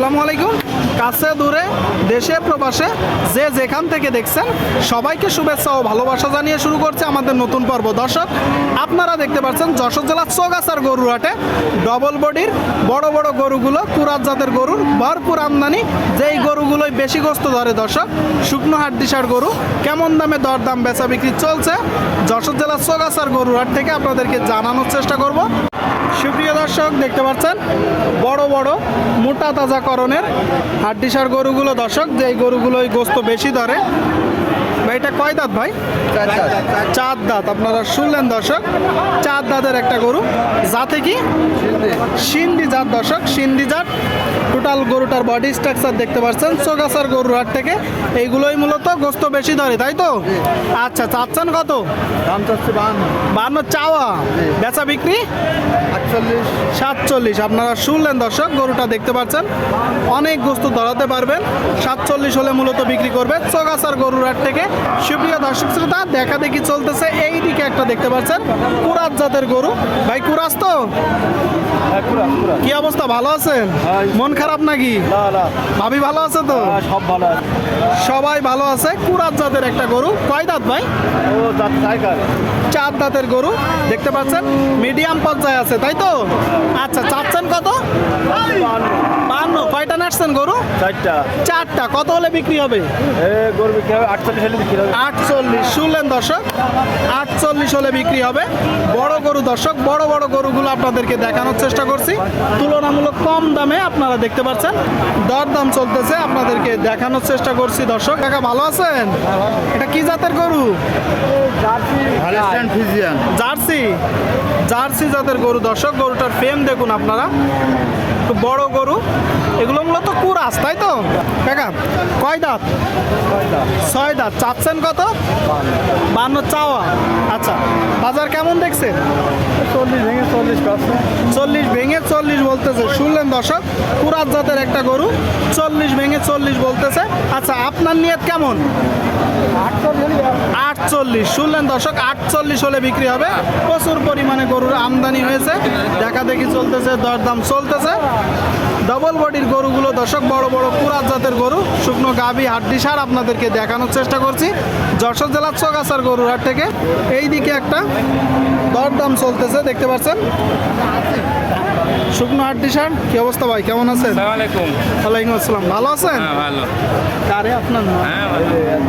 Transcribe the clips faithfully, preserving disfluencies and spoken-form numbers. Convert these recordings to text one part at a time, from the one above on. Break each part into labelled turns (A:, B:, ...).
A: আসসালামু আলাইকুম। কাছে দূরে দেশে প্রবাসে যে যেখান থেকে দেখছেন সবাইকে শুভেচ্ছা ও ভালোবাসা জানিয়ে শুরু করছে আমাদের নতুন পর্ব। দর্শক, আপনারা দেখতে পাচ্ছেন যশোর জেলার চৌগাছার গরুর হাটে ডবল বডির বড় বড় গরুগুলো, কুরাত জাতের গরুর ভরপুর আমদানি। যেই গরুগুলোই বেশি গোস্ত ধরে দর্শক, শুকনো হাট দিশার গরু কেমন দামে দরদাম বেচা বিক্রি চলছে যশোর জেলার চৌগাছার গরুর হাট থেকে আপনাদেরকে জানানোর চেষ্টা করব। সুপ্রিয় দর্শক, দেখতে পাচ্ছেন বড় বড় মোটা তাজাকরণের হাড্ডিসার গরুগুলো দর্শক, যে গরুগুলোই গোস্ত বেশি ধরে। ভাই এটা কয় দাঁত ভাই? চার দাঁত। আপনারা শুনলেন দর্শক, চার দাঁতের একটা গরু। জাতে কি? সিন্ধি জাত দর্শক, সিন্ধি জাত। টোটাল গরুটার বডি স্ট্রাকচার দেখতে পাচ্ছেন চৌগাছার গরুর হাট থেকে। এইগুলোই মূলত গোস্ত বেশি ধরে, তাই তো? আচ্ছা, চাচ্ছেন কত?
B: দাম চাচ্ছে বান্ন।
A: বান্ন চাওয়া, বেচা বিক্রি
B: আটচল্লিশ
A: সাতচল্লিশ। আপনারা শুনলেন দর্শক, গরুটা দেখতে পাচ্ছেন অনেক গোস্ত ধরাতে পারবেন। সাতচল্লিশ হলে মূলত বিক্রি করবে চৌগাছার গরুর হাট থেকে। সুপ্রিয় দর্শক শ্রোতা, দেখা দেখি চলতেছে। এই দিকে একটা দেখতে পাচ্ছেন কুরাত জাতের গরু। ভাই কুরাস তো? কি অবস্থা, ভালো আছেন? মন খারাপ নাকি? ভাবি ভালো আছে তো?
B: সব ভালো আছে,
A: সবাই ভালো আছে। কুরাত জাতের একটা গরু। কয় দাঁত ভাই?
B: ও দাঁত টাইগার।
A: চার দাঁতের গরু দেখতে পাচ্ছেন, মিডিয়াম পর্যায়ে আছে, তাই তো? আচ্ছা, চাচ্ছেন কত? বান্ন। কয়টা নাচছেন গরু?
B: চারটা।
A: চারটা। কত হলে বিক্রি হবে?
B: এ গরু বিক্রি হবে আটচল্লিশ হলে বিক্রি হবে।
A: আটচল্লিশ। শুনলেন দর্শক, আটচল্লিশ হলে বিক্রি হবে। বড় গরু দর্শক, বড় বড় গরুগুলো আপনাদেরকে দেখানোর চেষ্টা করছি তুলনামূলক কম দামে। আপনারা দেখতে পাচ্ছেন দরদাম চলতেছে, আপনাদেরকে দেখানোর চেষ্টা করছি দর্শক। কাকা ভালো আছেন? এটা কি জাতের গরু?
B: Friesian
A: jersey. জার্সি জাতের গরু দর্শক। গরুটার ফ্রেম দেখুন আপনারা, একটু বড় গরু। এগুলো মূলত কুরাস, তাই তো? কাকা কয় দাঁত? ছয় দাঁত। চাচ্ছেন কত? বান্ন চাওয়া। আচ্ছা, বাজার কেমন দেখছেন?
B: চল্লিশ ভেঙে চল্লিশ পাচ্ছে।
A: চল্লিশ ভেঙে চল্লিশ বলতেছে। শুনলেন দর্শক, কুরাত জাতের একটা গরু, চল্লিশ ভেঙে চল্লিশ বলতেছে। আচ্ছা, আপনার নিয়ত কেমন? আটচল্লিশ। শুনলেন দর্শক, আটচল্লিশ হলে বিক্রি হবে। প্রচুর পরিমাণে গরুর আমদানি হয়েছে, দেখা দেখি চলতেছে, দরদাম চলতেছে। ডবল বডির গরুগুলো দর্শক, বড় বড় কুরাত জাতের গরু, শুকনো গাভী হাড্ডি সার আপনাদেরকে দেখানোর চেষ্টা করছি যশোর জেলার চৌগাছার গরুর হাট থেকে। এই দিকে একটা দরদাম চলতেছে, দেখতে পাচ্ছেন শুকনো হাড্ডি সার। কি অবস্থা ভাই, কেমন আছেন?
C: আসসালামাইকুম।
A: ওয়ালাইকুম আসসালাম। ভালো আছেন?
C: হ্যাঁ ভালো।
A: কারে আপনার না?
C: হ্যাঁ ভালো।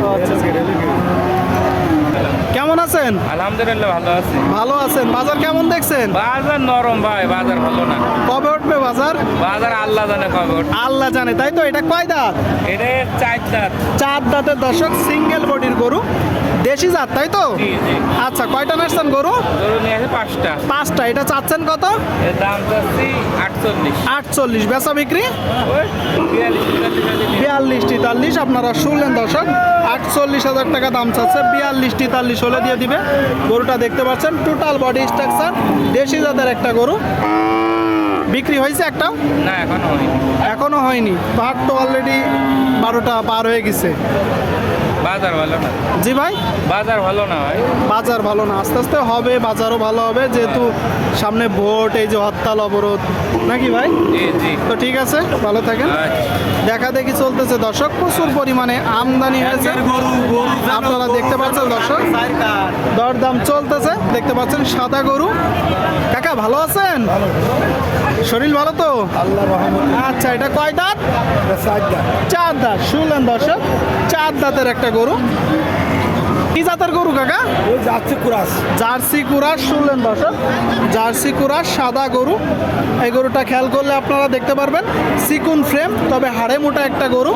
A: কেমন আছেন?
C: আলহামদুলিল্লাহ ভালো আছি।
A: ভালো আছেন। বাজার কেমন দেখছেন?
C: বাজার নরম ভাই, বাজার ভালো না।
A: কবে উঠবে বাজার?
C: বাজার আল্লাহ জানে কবে উঠবে।
A: আল্লাহ জানে, তাই তো? এটা কয় দাঁত?
C: এটা চার দাঁত।
A: চার দাঁতের দর্শক, সিঙ্গেল বডির গরু, দেশি জাত, তাই তো?
C: জি জি।
A: আচ্ছা, কয়টা নাচছেন গরু?
C: গরু নিয়ে আছে পাঁচটা।
A: পাঁচটা। এটা চাচ্ছেন কত?
C: এর দাম চাচ্ছি আটচল্লিশ।
A: আটচল্লিশ। বেচা বিক্রি
C: ওই বিয়াল্লিশ তেতাল্লিশ হাজার দিয়ে।
A: বিয়াল্লিশ তেতাল্লিশ। আপনারা শুনলেন দর্শক, আটচল্লিশ হাজার টাকা দাম চাচ্ছে, বিয়াল্লিশ তেতাল্লিশ হলে দিয়ে দিবে। গরুটা দেখতে পাচ্ছেন টোটাল বডি স্ট্রাকচার, দেশি জাতের একটা গরু। বিক্রি হয়েছে একটাও?
C: না এখনো হয়নি।
A: এখনো হয়নি। ভাগ তো অলরেডি বারোটা পার হয়ে গেছে।
C: বাজার ভালো না।
A: জি ভাই,
C: বাজার ভালো না ভাই।
A: বাজার ভালো না। আস্তে আস্তে হবে, বাজারও ভালো হবে, যেহেতু সামনে ভোট, এই যে হরতাল অবরোধ, নাকি ভাই?
C: জি জি।
A: তো ঠিক আছে, ভালো থাকেন।
C: আচ্ছা।
A: দেখা দেখি চলতেছে দর্শক, প্রচুর পরিমাণে আমদানি হয়েছে, আপনারা দেখতে পাচ্ছেন দর্শক। দরদাম চলতেছে, দেখতে পাচ্ছেন সাদা গরু। কাকা ভালো আছেন? শরীর ভালো তো?
B: আল্লাহ রহমত।
A: আচ্ছা, এটা কয় দাঁত?
B: চার দাঁত।
A: চার দাঁত। শুনলেন দর্শক, চার দাঁতের একটা গরু। কি জাতের গরু কাকা?
B: ওই যাচ্ছে কুরাস।
A: জার্সি কুরাস। শুনলেন দর্শক, জার্সি কুরাস, সাদা গরু। এই গরুটা খেয়াল করলে আপনারা দেখতে পারবেন সিকুন ফ্রেম, তবে হাড়ে মোটা একটা গরু।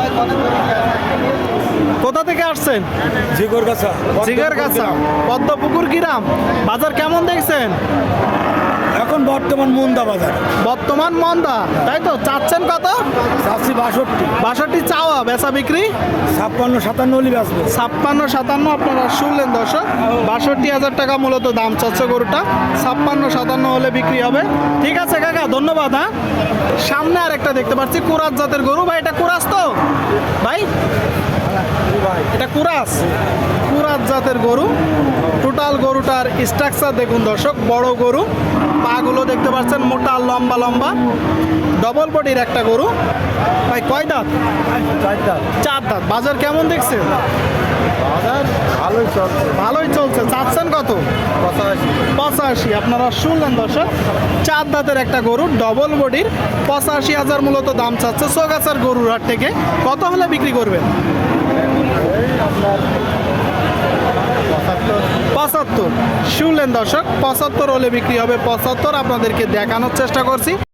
A: কোথা থেকে আসছেন?
B: জিগর গাছা।
A: জিগার গাছা, পদ্মপুকুর গ্রাম। বাজার কেমন দেখছেন?
B: এখন বর্তমান মুন্দা বাজার।
A: বর্তমান মন্দা, তাই তো? চাচ্ছেন কত?
B: চাচ্ছি বাষট্টি।
A: বাষট্টি চাওয়া, বেচা বিক্রি
B: ছাপ্পান্ন সাতান্ন হলি বেচবো।
A: ছাপ্পান্ন সাতান্ন। আপনারা শুনলেন দর্শক, বাষট্টি হাজার টাকা মূলত দাম চাচ্ছে গরুটা। ছাপ্পান্ন সাতান্ন হলে বিক্রি হবে। ঠিক আছে কাকা, ধন্যবাদ। হ্যাঁ, সামনে আর একটা দেখতে পাচ্ছি কুরাস জাতের গরু। ভাই এটা কুরাস তো ভাই?
B: ভাই
A: এটা কুরাস কুরাস জাতের গরু। টোটাল গরুটার স্ট্রাকচার দেখুন দর্শক, বড় গরু, পাগুলো দেখতে পাচ্ছেন মোটা লম্বা লম্বা, ডবল বডির একটা গরু। ভাই কয় দাঁত?
B: চারটা
A: চার দাঁত। বাজার কেমন দেখছেন?
B: বাজার ভালোই চলছে
A: ভালোই চলছে। চাচ্ছেন কত?
B: পঁচাশি
A: পঁচাশি। আপনারা শুনলেন দর্শক, চার দাঁতের একটা গরু, ডবল বডির, পঁচাশি হাজার মূলত দাম চাচ্ছে চৌগাছার গরুর হাট থেকে। কত হলে বিক্রি করবেন?
B: পঁচাত্তর
A: পঁচাত্তর। শুনলেন দর্শক, পঁচাত্তর হলে বিক্রি হবে। পঁচাত্তর আপনাদেরকে দেখানোর চেষ্টা করছি।